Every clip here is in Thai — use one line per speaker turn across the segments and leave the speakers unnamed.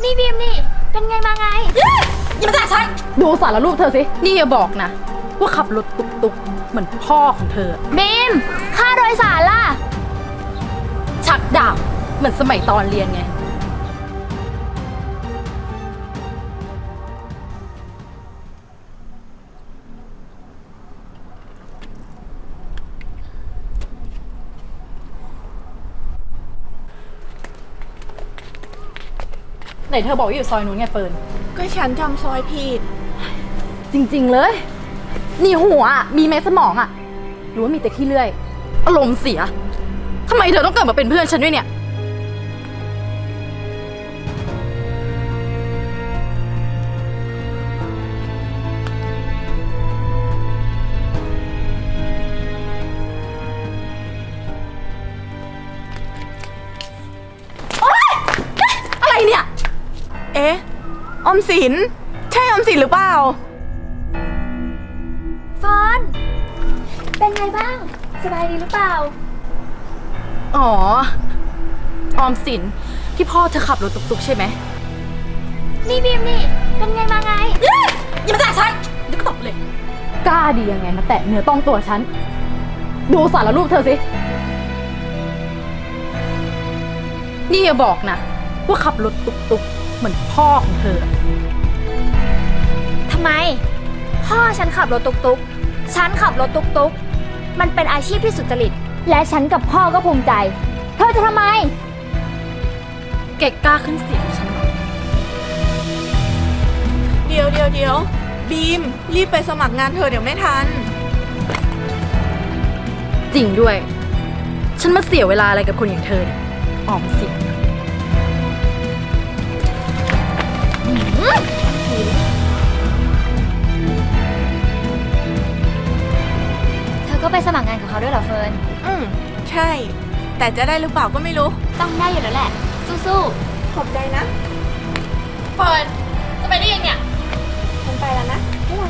นี่บีมนี่เป็นไงมาไง
อย่ามาแตะฉันดูสารรูปเธอสินี่อย่าบอกนะว่าขับรถตุกๆเหมือนพ่อของเธอ
บีมค่าโดยสารล่ะ
ชักดาบเหมือนสมัยตอนเรียนไงไหนเธอบอกว่าอยู่ซอยนู้นไงเฟิร์น
ก็ฉันจำซอยผิด
จริงๆเลยนี่หัวมีไหมสมองอะหรือว่ามีแต่ขี้เลื่อยอารมณ์เสียทำไมเธอต้องเกิดมาเป็นเพื่อนฉันด้วยเนี่ยอะไรเนี่ย
เอ๊ะออมสินใช่ออมสินหรือเปล่า
เฟิร์นเป็นไงบ้างสบายดีหรือเปล่า
อ๋อออมสินที่พ่อเธอขับรถตุกๆใช่ไหม
นี่บีมนี่เป็นไงมาไง
อย่ามาแตะฉันเดี๋ยวก็ตบเลยกล้าดียังไงมาแตะเนื้อต้องตัวฉันดูสารรูปเธอสินี่อย่าบอกนะว่าขับรถตุกๆเหมือนพ่อของเธอ
ทำไมพ่อฉันขับรถตุกๆฉันขับรถตุกๆมันเป็นอาชีพที่สุจริตและฉันกับพ่อก็ภูมิใจเธอจะทำไม
เก่งกล้าขึ้นเสียงฉัน
เดี๋ยวบีมรีบไปสมัครงานเธอเดี๋ยวไม่ทัน
จริงด้วยฉันมาเสียเวลาอะไรกับคนอย่างเธอเนี่ยออมสิน
เธอก็ไปสมัครงานกับเขาด้วยเหรอเฟิร์น
ใช่แต่จะได้หรือเปล่าก็ไม่รู้
ต้องได้อยู่แล้วแหละสู้
ๆขอบใจนะ
เฟิร์นจะไปได้ยังเนี่ย
ฉันไปแล้วนะบ๊ายบาย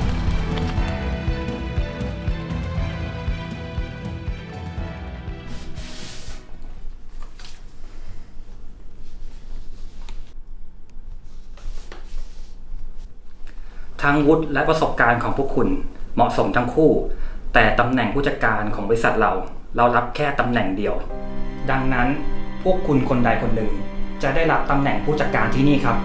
ทั้งวุฒิและประสบการณ์ของพวกคุณเหมาะสมทั้งคู่แต่ตำแหน่งผู้จัดการของบริษัทเรารับแค่ตำแหน่งเดียวดังนั้นพวกคุณคนใดคนหนึ่งจะได้รับตำแหน่งผู้จัดการที่นี่ครับ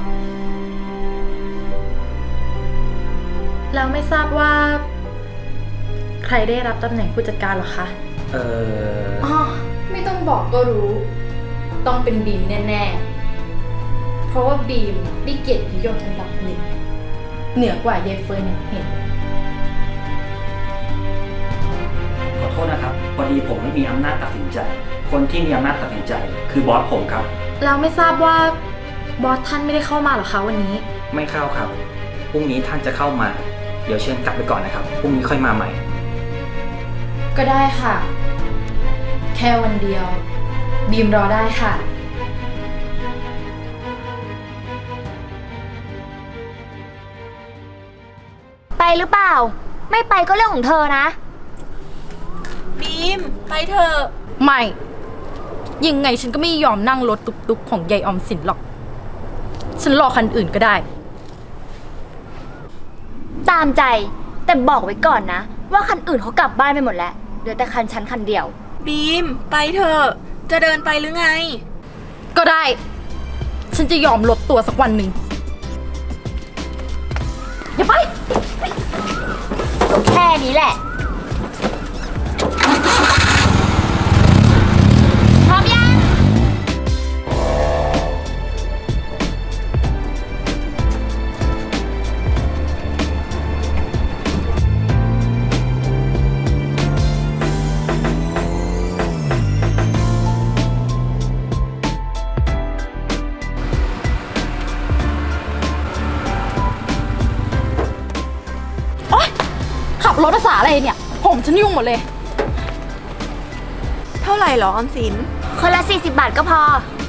แล้วไม่ทราบว่าใครได้รับตำแหน่งผู้จัดการหรอคะไม่ต้องบอกก็รู้ต้องเป็นบีมแน่ๆเพราะว่าบีมได้เกียรตินิยมอันดับหนึ่งเหนือกว่าเยเฟิร์นอย่างเห็น
ขอโทษนะครับพอดีผมไม่มีอำนาจตัดสินใจคนที่มีอำนาจตัดสินใจคือบอสผมครับ
เราไม่ทราบว่าบอสท่านไม่ได้เข้ามาหรอคะวันนี้
ไม่เข้าครับพรุ่งนี้ท่านจะเข้ามาเดี๋ยวเชิญกลับไปก่อนนะครับพรุ่งนี้ค่อยมาใหม่
ก็ได้ค่ะแค่วันเดียวบีมรอได้ค่ะ
ไปหรือเปล่าไม่ไปก็เรื่องของเธอนะ
บีมไปเถอะ
ไม่ยังไงฉันก็ไม่ยอมนั่งรถตุกๆของยายออมสินหรอกฉันรอคันอื่นก็ได้
ตามใจแต่บอกไว้ก่อนนะว่าคันอื่นเขากลับบ้านไปหมดแล้วเหลือแต่คันฉันคันเดียว
บีมไปเถอะจะเดินไปหรือไง
ก็ได้ฉันจะยอมลดตัวสักวันหนึ่งอย่าไป
แค่นี้แหละพร้อมยัง
ขับรถภาษาอะไรเนี่ยผมฉันยุ่งหมดเลย
เท่าไหร่หรอออมสิน
คนละ40 บาทก็พอ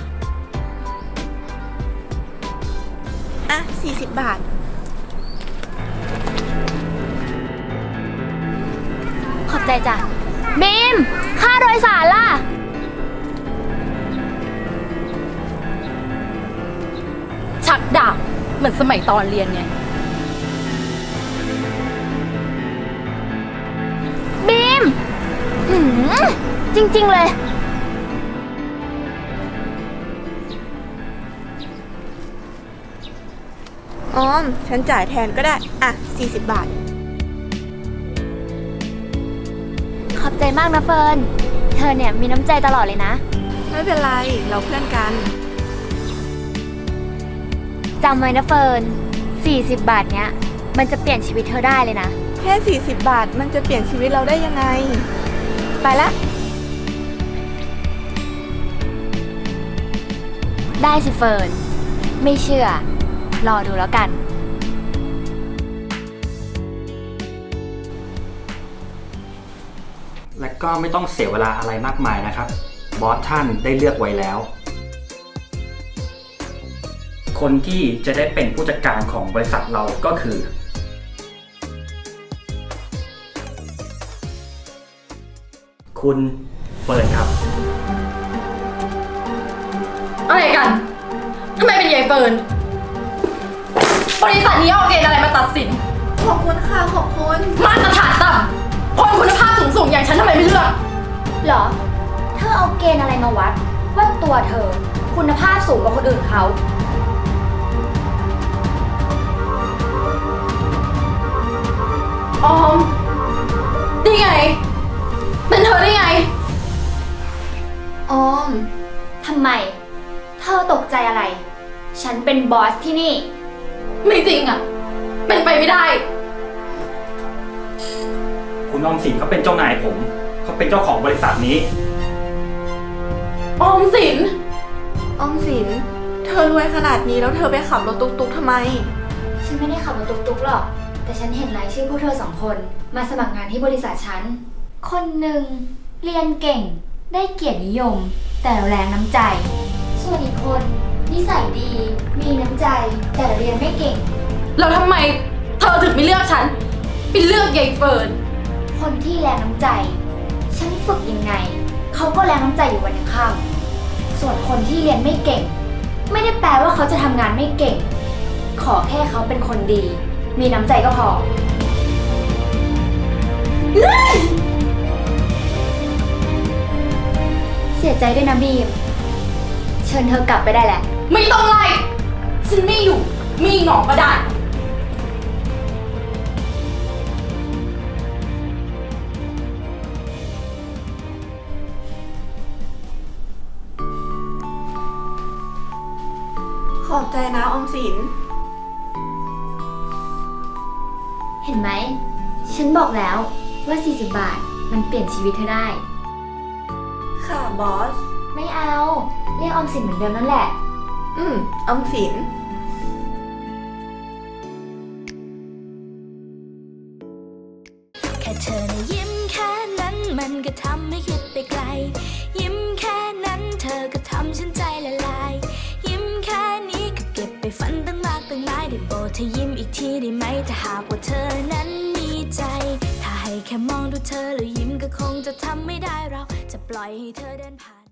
อ่ะ40 บาท
ขอบใจจ้ะบีมค่าโดยสารล่ะ
ชักดาบเหมือนสมัยตอนเรียนไง
บีมหืมจริงๆเลย
ออม ฉันจ่ายแทนก็ได้ อ่ะ 40 บาท
ขอบใจมากนะเฟิร์น เธอเนี่ยมีน้ำใจตลอดเลยนะ
ไม่เป็นไร เราเพื่อนกัน
จำไว้นะเฟิร์น 40 บาทเนี้ย มันจะเปลี่ยนชีวิตเธอได้เลยนะ
แค่ 40 บาท มันจะเปลี่ยนชีวิตเราได้ยังไง ไปละ
ได้สิเฟิร์น ไม่เชื่อ รอดูแล้วกัน
และก็ไม่ต้องเสียเวลาอะไรมากมายนะครับ บอสท่านได้เลือกไว้แล้ว คนที่จะได้เป็นผู้จัดการของบริษัทเราก็คือ คุณเฟิร์นครับ
อะไรกัน ทำไมเป็นยายเฟิร์น บริษัทนี้เอาเกณฑ์อะไรมาตัดสิน
ขอบคุณค่ะ ขอบคุณ
มาตรฐานต่ำคนคุณภาพสูงๆอย่างฉันทำไมไม่เลือก
เหรอ เธอเอาเกณฑ์อะไรมาวัด ว่าตัวเธอคุณภาพสูงกว่าคนอื่นเขา
ออมได้ไง เป็นเธอได้ไง
ออม ทำไม เธอตกใจอะไร ฉันเป็นบอสที่นี่
ไม่จริงอ่ะ เป็นไปไม่ได้
คุณออมสินเขาเป็นเจ้านายผม เขาเป็นเจ้าของบริษัทนี้
ออมสิน
ออมสิน เธอรวยขนาดนี้แล้วเธอไปขับรถตุ๊กๆทำไม
ฉันไม่ได้ขับรถตุ๊กๆหรอก แต่ฉันเห็นรายชื่อพวกเธอสองคนมาสมัครงานที่บริษัทฉัน คนหนึ่งเรียนเก่ง ได้เกียรตินิยม แต่แรงน้ำใจ ส่วนอีกคนนิสัยดี มีน้ำใจ แต่เรียนไม่เก่ง
แล้วทำไมเธอถึงไม่เลือกฉันไปเลือกยายเฟิร์น
คนที่แรงน้ำใจ ฉันฝึกยังไง เขาก็แรงน้ำใจอยู่วันยังค่ำส่วนคนที่เรียนไม่เก่ง ไม่ได้แปลว่าเขาจะทำงานไม่เก่ง ขอแค่เขาเป็นคนดี มีน้ำใจก็พอ เสียใจด้วยนะบีม เชิญเธอกลับไปได้แหละ
ไม่ต้องไล่ฉันไม่อยู่ มีหงอกก็ได้
ขอบใจนะออมสิน
เห็นไหม ฉันบอกแล้วว่า 40 บาท มันเปลี่ยนชีวิตเธอได้
ค่ะบอส
ไม่เอา เรียกออมสินเหมือนเดิมนั่นแหละ
ออมสิน
แค่เธอนะยิ้มแค่นั้นมันก็ทำให้คิดไปไกล ยิ้มแค่นั้นเธอก็ทำฉันใจละลาย ยิ้มแค่นี้ก็เก็บไปฝันตั้งมากตั้งหลายได้โปรดเธอยิ้มอีกทีได้ไหมถ้าหากว่าเธอนั้นมีใจ ถ้าให้แค่มองดูเธอแล้วยิ้มก็คงจะทำไม่ได้เราจะปล่อยให้เธอเดินผ่าน